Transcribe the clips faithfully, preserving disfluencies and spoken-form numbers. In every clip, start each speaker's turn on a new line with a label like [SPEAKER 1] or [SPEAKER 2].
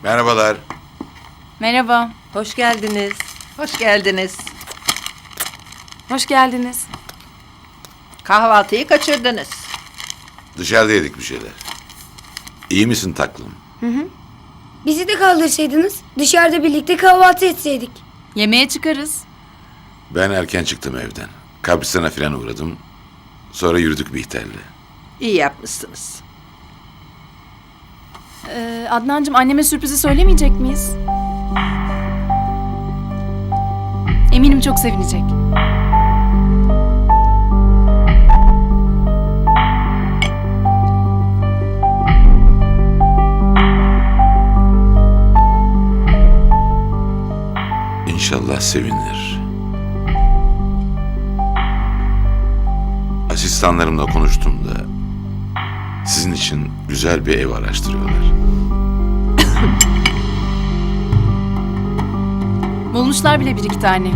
[SPEAKER 1] Merhabalar.
[SPEAKER 2] Merhaba.
[SPEAKER 3] Hoş geldiniz.
[SPEAKER 4] Hoş geldiniz.
[SPEAKER 2] Hoş geldiniz.
[SPEAKER 4] Kahvaltıyı kaçırdınız.
[SPEAKER 1] Dışarıda yedik bir şeyler. İyi misin taklım?
[SPEAKER 5] Bizi de kaldırsaydınız dışarıda birlikte kahvaltı etseydik.
[SPEAKER 2] Yemeğe çıkarız.
[SPEAKER 1] Ben erken çıktım evden. Kabristan'a falan uğradım. Sonra yürüdük Bihter'le.
[SPEAKER 4] İyi yapmışsınız.
[SPEAKER 2] Ee, Adnancığım anneme sürprizi söylemeyecek miyiz? Eminim çok sevinecek.
[SPEAKER 1] İnşallah sevinir. Asistanlarımla konuştum da sizin için güzel bir ev araştırıyorlar.
[SPEAKER 2] Bulmuşlar bile bir iki tane.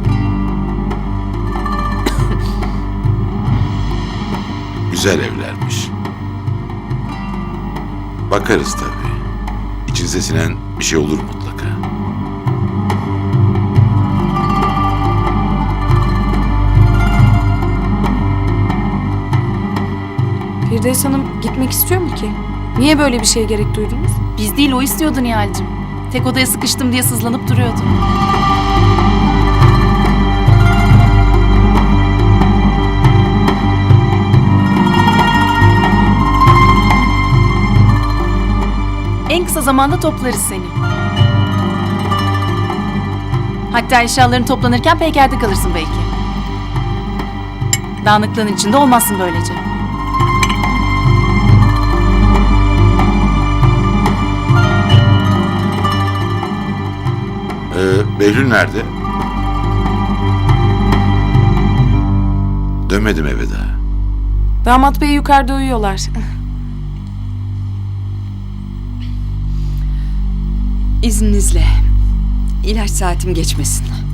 [SPEAKER 1] Güzel evlermiş. Bakarız tabii. İçinize sinen bir şey olur mutlaka.
[SPEAKER 6] Firdevs Hanım gitmek istiyor mu ki? Niye böyle bir şeye gerek duydunuz?
[SPEAKER 2] Biz değil o istiyordu Nihal'cığım. Tek odaya sıkıştım diye sızlanıp duruyordu. En kısa zamanda toplarız seni. Hatta eşyaların toplanırken peykerde kalırsın belki. Dağınıklığın içinde olmazsın böylece.
[SPEAKER 1] Ee, Behlül nerede? Dönmedim eve daha.
[SPEAKER 6] Damat bey yukarıda uyuyorlar.
[SPEAKER 3] İzninizle. İlaç saatim geçmesin.